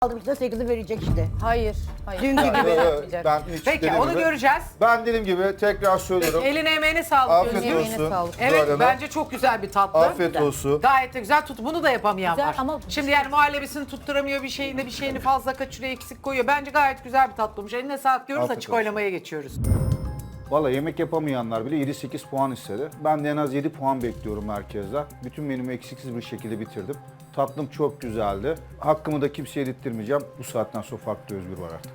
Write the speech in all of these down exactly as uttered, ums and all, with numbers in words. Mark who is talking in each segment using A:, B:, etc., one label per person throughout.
A: aldım işte sekizi verecek işte.
B: Hayır, hayır.
A: Dünkü gibi.
B: Yapmayacak.
C: Ben hiç
D: Peki
C: dediğim
D: onu
C: gibi-
D: göreceğiz.
C: Ben dediğim gibi tekrar söylüyorum.
D: Eline emeğine sağlık.
C: Afiyet
D: Özgür.
B: Emeğine
C: olsun.
B: sağlık.
D: Evet
C: Zuhal Hanım.
D: bence çok güzel bir tatlı.
C: Afiyet
A: Güzel.
C: olsun.
D: Gayet de güzel tut. Bunu da yapamayan
B: Güzel
D: var.
B: ama-
D: Şimdi yani muhallebisini tutturamıyor bir şeyini bir şeyini fazla kaçırıyor eksik koyuyor. Bence gayet güzel bir tatlı olmuş. Eline sağlık diyoruz
C: Afiyet
D: açık
C: olsun.
D: oylamaya geçiyoruz.
C: Valla yemek yapamayanlar bile yedi sekiz puan istedi. Ben de en az yedi puan bekliyorum herkesten. Bütün menümü eksiksiz bir şekilde bitirdim. Tatlım çok güzeldi. Hakkımı da kimseye yedirtmeyeceğim. Bu saatten sonra farklı Özgür var artık.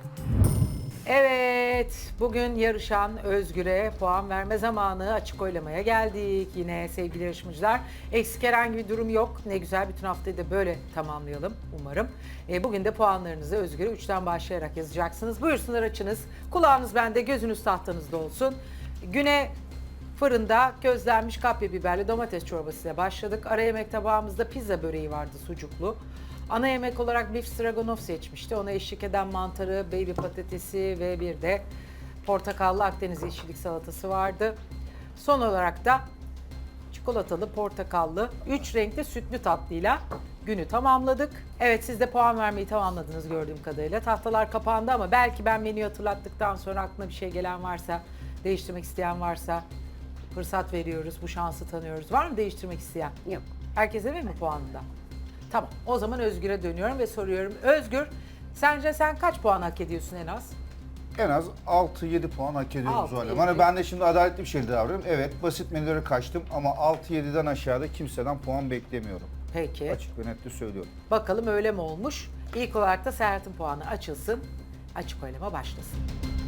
D: Evet, bugün yarışan Özgür'e puan verme zamanı. Açık oylamaya geldik yine sevgili yarışmacılar. Eksik herhangi bir durum yok. Ne güzel, bütün haftayı da böyle tamamlayalım umarım. E, bugün de puanlarınızı Özgür'e üçten başlayarak yazacaksınız. Buyursunlar, açınız. Kulağınız bende, gözünüz tahtanızda olsun. Güne fırında közlenmiş kapya biberli domates çorbasıyla başladık. Ara yemek tabağımızda pizza böreği vardı, sucuklu. Ana yemek olarak beef stroganoff seçmişti. Ona eşlik eden mantarı, baby patatesi ve bir de portakallı Akdeniz yeşillik salatası vardı. Son olarak da çikolatalı, portakallı, üç renkli sütlü tatlıyla günü tamamladık. Evet, siz de puan vermeyi tamamladınız gördüğüm kadarıyla. Tahtalar kapandı ama belki ben menüyü hatırlattıktan sonra aklına bir şey gelen varsa, değiştirmek isteyen varsa fırsat veriyoruz, bu şansı tanıyoruz. Var mı değiştirmek isteyen?
A: Yok.
D: Herkes emin mi puanında? Tamam, o zaman Özgür'e dönüyorum ve soruyorum. Özgür, sence sen kaç puan hak ediyorsun en az?
C: En az altı yedi puan hak ediyorum
D: altı,
C: Zuhal Hanım.
D: yedi.
C: Hani ben de şimdi adaletli bir şekilde davranıyorum. Evet, basit menülere kaçtım ama altı yediden aşağıda kimseden puan beklemiyorum.
D: Peki,
C: Açık ve net de söylüyorum.
D: bakalım öyle mi olmuş? İlk olarak da Serhat'ın puanı açılsın. Açık oylama başlasın.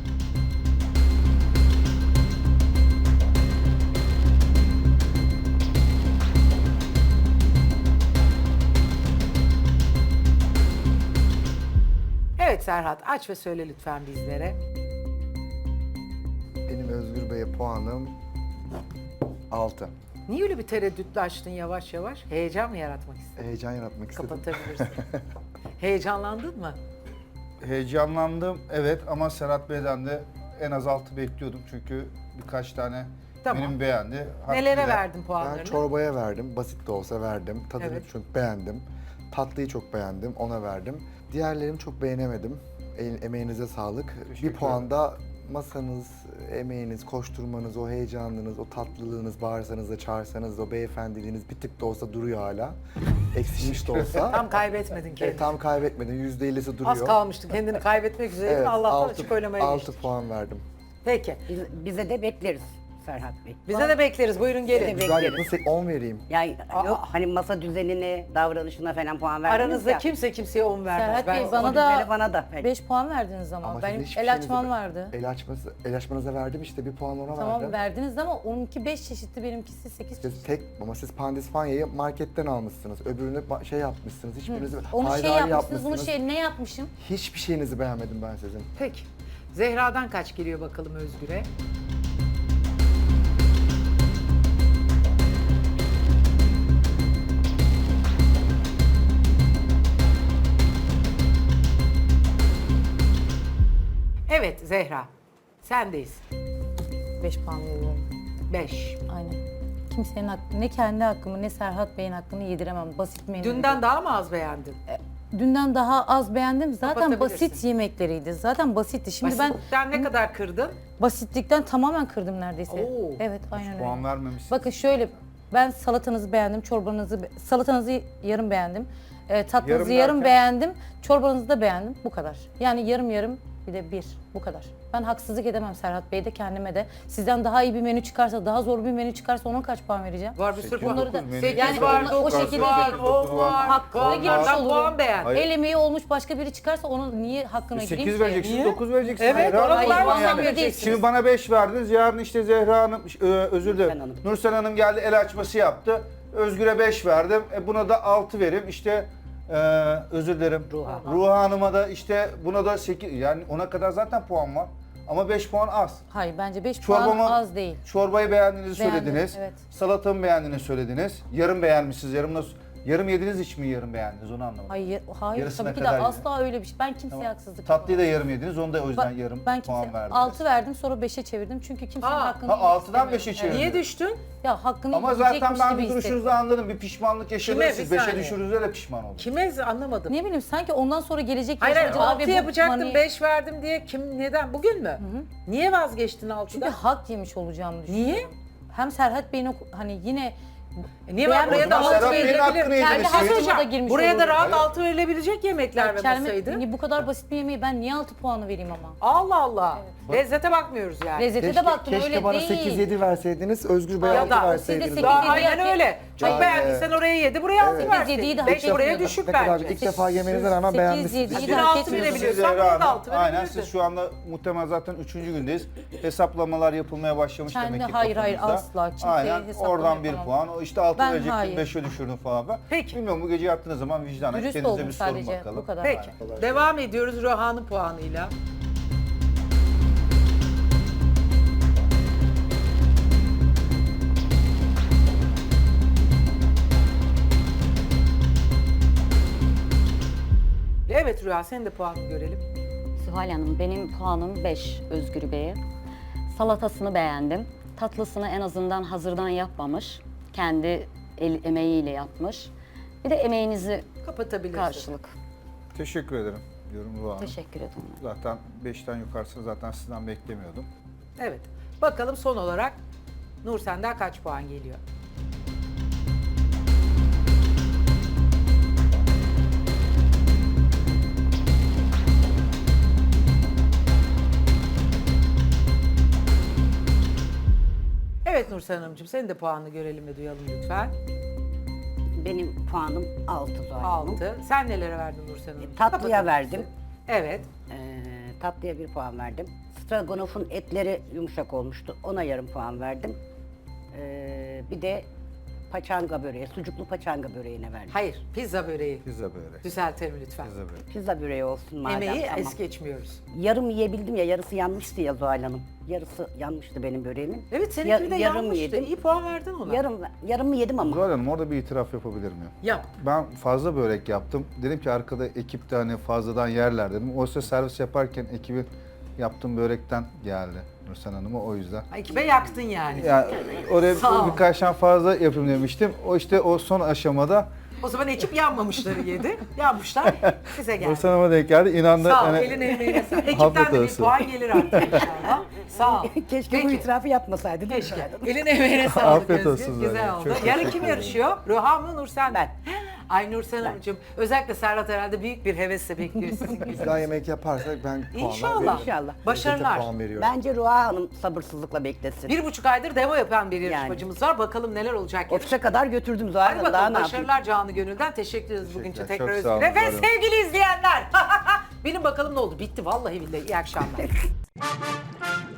D: Evet Serhat, aç ve söyle lütfen bizlere.
E: Benim Özgür Bey'e puanım altı.
D: Niye öyle bir tereddütle açtın yavaş yavaş? Heyecan mı yaratmak istedin?
E: Heyecan yaratmak istedim.
D: Kapatabilirsin. Heyecanlandın mı?
C: Heyecanlandım evet ama Serhat Bey'den de en az altı bekliyordum çünkü birkaç tane
D: Tamam.
C: benim beğendi.
D: Nelere
C: Hakkıyla-
D: verdin puanlarını?
E: Ben çorbaya verdim. Basit de olsa verdim. Tadını
D: Evet.
E: çok beğendim. Tatlıyı çok beğendim. Ona verdim. Diğerlerini çok beğenemedim. E- emeğinize sağlık.
C: Teşekkür
E: Bir puan da masanız, emeğiniz, koşturmanız, o heyecanınız, o tatlılığınız, bağırsanız da çağırsanız da o beyefendiliğiniz bir tık da olsa duruyor hala. Eksilmiş de olsa.
D: Tam kaybetmedin kendini.
E: E, tam kaybetmedin. yüzde ellisi duruyor.
D: Az kalmıştı kendini kaybetmek üzere.
E: Evet,
D: Allah'tan
E: altı-
D: açık oylamaya
E: altı
D: geçtik.
E: puan verdim.
D: Peki.
A: Biz, bize de bekleriz Serhat Bey.
D: Bize de bekleriz. Buyurun gelin.
A: Evet.
E: Güzel
A: Bekleriz.
E: yapın, on vereyim.
A: Yani
D: Aa.
A: yok hani masa düzenine, davranışına falan puan verdiniz
D: Aranızda
A: ya.
D: kimse kimseye on vermez.
B: Serhat
D: Ben-
B: Bey
A: O
B: bana
A: düzeni
B: da
A: bana da. pek.
B: beş puan verdiniz ama,
E: Ama
B: benim
E: sizin hiçbir
B: el
E: şeyinizi
B: açmam
E: be-
B: vardı.
E: El, açması, el açmanıza verdim işte bir puan ona
B: Tamam
E: verdim.
B: verdiniz ama onunki beş çeşitli, benimkisi sekiz
E: Siz
B: çeşit.
E: tek ama siz Pandispanya'yı marketten almışsınız. Öbürünü ba- şey yapmışsınız. Hiçbirinizi
B: Onu
E: ayrı
B: şey
E: ayrı
B: yapmışsınız, bunu şey ne yapmışım?
E: Hiçbir şeyinizi beğenmedim ben sizin.
D: Peki. Zehra'dan kaç geliyor bakalım Özgür'e? Evet Zehra. Sendeyiz.
B: Beş puan veriyorum.
D: Beş.
B: Aynen. Kimsenin hakkı, ne kendi hakkımı ne Serhat Bey'in hakkını yediremem. Basit menü.
D: Dünden daha mı az beğendin?
B: Dünden daha az beğendim. Zaten
D: Kapatabilirsin.
B: basit yemekleriydi. Zaten basitti. Şimdi
D: Basitten ne kadar kırdın?
B: ben basitlikten tamamen kırdım neredeyse.
D: Oo.
B: Evet, aynen öyle.
C: Puan vermemişsiniz.
B: Bakın şöyle, ben salatanızı beğendim, çorbanızı, be- salatanızı yarım beğendim. E, tatlınızı
C: Yarım
B: yarım,
C: derken?
B: beğendim, çorbanızı da beğendim. Bu kadar. Yani yarım yarım, bir de bir. Bu kadar. Ben haksızlık edemem Serhat Bey'e de kendime de. Sizden daha iyi bir menü çıkarsa, daha zor bir menü çıkarsa ona kaç puan vereceğim?
D: Var bir sürü
C: Sekiz,
D: puan.
B: dokuz
C: menü.
D: Sekiz
B: Yani
D: var,
B: o- o
D: dokuz
B: şekilde-
D: var,
C: Sekiz,
D: on
C: dokuz var.
D: var.
B: Hakkına
D: Puanlardan
B: girmiş olurum.
D: puan beğen.
C: Hayır.
B: El emeği olmuş başka biri çıkarsa onun niye hakkına gireyim
C: sekiz
B: ki?
C: vereceksiniz,
D: Niye?
C: dokuz vereceksiniz.
D: Evet,
C: Zehra
D: ona
C: Hanım
D: puan
C: yani.
D: vermem
B: değilsiniz.
C: Şimdi bana beş verdiniz, yarın işte Zehra Hanım, e, özür dilerim,
A: Nursel Hanım.
C: Nursel Hanım geldi el açması yaptı. Özgür'e beş verdim, e, buna da altı vereyim. İşte e, özür dilerim.
A: Ruha.
C: Ruha Hanım'a da işte buna da sekiz, yani ona kadar zaten puan var. Ama beş puan az.
B: Hayır, bence beş puan
C: Çorbamı,
B: az değil.
C: çorbayı beğendiğinizi
B: Beğendim,
C: söylediniz.
B: evet.
C: Salatamı beğendiğini söylediniz. Yarım beğenmişsiniz. Yarım nasıl Yarım yediniz hiç mi yarım beğendiniz onu anlamadım.
B: Hayır, hayır
C: Yarısına
B: tabii ki de
C: kadar
B: asla öyle bir şey. Ben kimseye
C: Tamam.
B: haksızlık
C: Tatlıyı da
B: yapamam.
C: yarım yediniz onu da o yüzden
B: Ba-
C: yarım
B: ben
C: puan
B: kimseye
C: verdiniz.
B: altı verdim sonra beşe çevirdim çünkü kimsenin
D: Aa,
B: hakkını
C: Ha
B: yemek
C: altıdan
B: istemiyorum.
C: beşe çevirdin.
D: Niye düştün?
B: Ya hakkını
C: Ama zaten
B: yiyecekmiş
C: ben
B: gibi
C: bir duruşunuzu
B: hissettim.
C: anladım. Bir pişmanlık yaşadınız.
D: Kime?
C: Siz
D: Bir
C: beşe
D: saniye.
C: düşürdüğünüzde de pişman oldunuz.
D: Kime anlamadım.
B: Ne bileyim sanki ondan sonra gelecek
D: Hayır hayır
B: yaşayacağı ve
D: altı
B: bu
D: yapacaktım
B: mani-
D: beş verdim diye kim neden? Bugün mü? Niye vazgeçtin
B: Çünkü
D: altıdan?
B: hak yemiş olacağımı düşünüyorum.
D: Niye?
B: Hem Serhat Bey'in o hani yine
D: E niye var?
B: beğenmediğim
D: Buraya da
C: O zaman
D: altı
C: Serhat Bey'in
D: verilebilir.
C: hakkını
D: Kendi
C: yediniz.
D: hakkıma
B: Hakkıma
D: da
B: da girmiş
D: Buraya da
B: olurum.
D: rahat
C: Evet.
D: altı verilebilecek yemekler ve
B: kelime,
D: masaydı.
B: hani bu kadar basit bir yemeği ben niye altı puanı vereyim ama?
D: Allah Allah. Lezzete bakmıyoruz yani.
B: Lezzete
E: Keşke,
B: de baktım
E: keşke
B: öyle
E: bana
B: değil.
E: sekiz yedi verseydiniz, Özgür Bey
D: Ya
E: altı
D: da-
E: verseydiniz.
B: Siz de
D: Daha
B: sekiz yedi
D: aynen
B: hak-
D: öyle. Çok
E: Yani-
D: beğendiysen oraya yedi, buraya altı
B: Sekiz
D: verseydin.
B: yediyi de hak
D: beş buraya
B: etmiyordum.
D: düşük
E: Ne kadar
D: bence.
E: ilk defa yemenize rağmen
B: sekiz
E: beğenmişsiniz.
B: yediyi
D: Bir
B: de hak
D: altı
B: etmiyordum.
D: verebiliyorsan
C: Size
D: bunu da
C: rağmen-
D: altı
C: Aynen
D: verebilirdin.
C: siz şu anda muhtemelen zaten üçüncü gündeyiz. Hesaplamalar yapılmaya başlamış
B: Kendi-
C: demek ki
B: hayır, hayır,
C: kafanızda.
B: asla. Kimseye
C: Aynen
B: hesaplama
C: oradan bir
B: yapamam.
C: puan. O işte altı
B: Ben
C: verecektin
B: hayır.
C: beşe düşürdün falan. Ben.
D: Peki.
C: Bilmiyorum bu gece yattığınız zaman vicdanen
B: Dürüst
C: kendinize
B: oldum
C: bir sorun
B: sadece.
C: bakalım.
B: Bu kadar.
D: Peki. Devam ediyoruz Röhan'ın puanıyla. Evet Rüya senin de puanını görelim.
F: Zuhal Hanım, benim puanım beş Özgür Bey'e. Salatasını beğendim. Tatlısını en azından hazırdan yapmamış. Kendi el emeğiyle yapmış. Bir de emeğinizi
D: Kapatabilirsin.
F: karşılık.
C: Teşekkür ederim diyorum Ruha Hanım.
F: Teşekkür ederim.
C: Zaten beşten yukarısını zaten sizden beklemiyordum.
D: Evet. Bakalım son olarak Nur senden kaç puan geliyor? Evet Nursel Hanımcığım senin de puanını görelim ve duyalım lütfen.
A: Benim puanım altı Zuhal Hanım.
D: altı. Sen nelere verdin Nursel Hanım?
A: Tatlıya
D: Kapatır
A: verdim.
D: mısın? Evet.
A: Ee, tatlıya bir puan verdim. Stroganoff'un etleri yumuşak olmuştu. Ona yarım puan verdim. Ee, bir de paçanga böreği, sucuklu paçanga böreğine verdim.
D: Hayır, pizza böreği.
C: Pizza börek.
D: Düzeltelim lütfen.
C: Pizza börek.
A: Pizza böreği olsun madem.
D: Emeği
A: tamam.
D: es geçmiyoruz.
A: Yarım yiyebildim ya, yarısı yanmıştı ya Zuhal Hanım. Yarısı yanmıştı benim böreğimin.
D: Evet seninki
A: Ya-
D: de
A: yarım
D: yanmıştı.
A: yedim.
D: İyi puan verdin ona.
A: Yarım, yarımı yedim ama.
C: Zuhal Hanım orada bir itiraf yapabilir miyim?
D: Yap.
C: Ben fazla börek yaptım. Dedim ki arkada ekip de hani fazladan yerler dedim. Oysa servis yaparken ekibin yaptığım börekten geldi Nursel Hanım'a o yüzden.
D: Ekibe yaktın yani.
C: Yani oraya
D: Sağ ol.
C: birkaç tane fazla yapayım demiştim. O işte o son aşamada
D: O zaman ekip yanmamışları yedi. Yanmışlar size geldi.
C: Nursel Hanım'a denk geldi. İnandı.
D: Sağ ol.
C: hani-
D: Elin emeğine sağlık.
C: Afiyet
D: Ekipten de bir
C: olsun.
D: puan gelir artık inşallah. Sağ ol.
A: Keşke bu
D: Peki.
A: itirafı yapmasaydı. değil mi?
D: Keşke. Elin emeğine sağlık
C: Afiyet
D: Özgür.
C: olsun
D: Güzel
C: zaten.
D: oldu.
C: Çok
D: Yarın
C: teşekkür
D: kim
C: ederim.
D: yarışıyor? Röha mı Nursen mi?
A: Ben.
D: Ay Nursen Hanımcığım. Özellikle Serhat herhalde büyük bir hevesle bekliyor sizin
E: Biz
D: gibi.
E: daha yemek yaparsak ben puanlar
D: İnşallah.
E: veririm.
A: İnşallah.
D: Başarılar.
E: Lezzete puan veriyorum.
A: Bence Ruha Hanım sabırsızlıkla beklesin.
D: Bir buçuk aydır demo yapan bir yarışmacımız var. Bakalım neler olacak.
A: Ofise kadar götürdüm Zuhal
D: Hadi
A: Hanım. Daha
D: bakalım
A: ne yapayım?
D: başarılar canı gönülden. Teşekkür ederiz bugünkü
C: Teşekkürler,
D: tekrar
C: çok sağ olun,
D: Özgür'e. Ve
C: var olun.
D: sevgili izleyenler. Benim bakalım ne oldu? Bitti vallahi billahi. İyi akşamlar.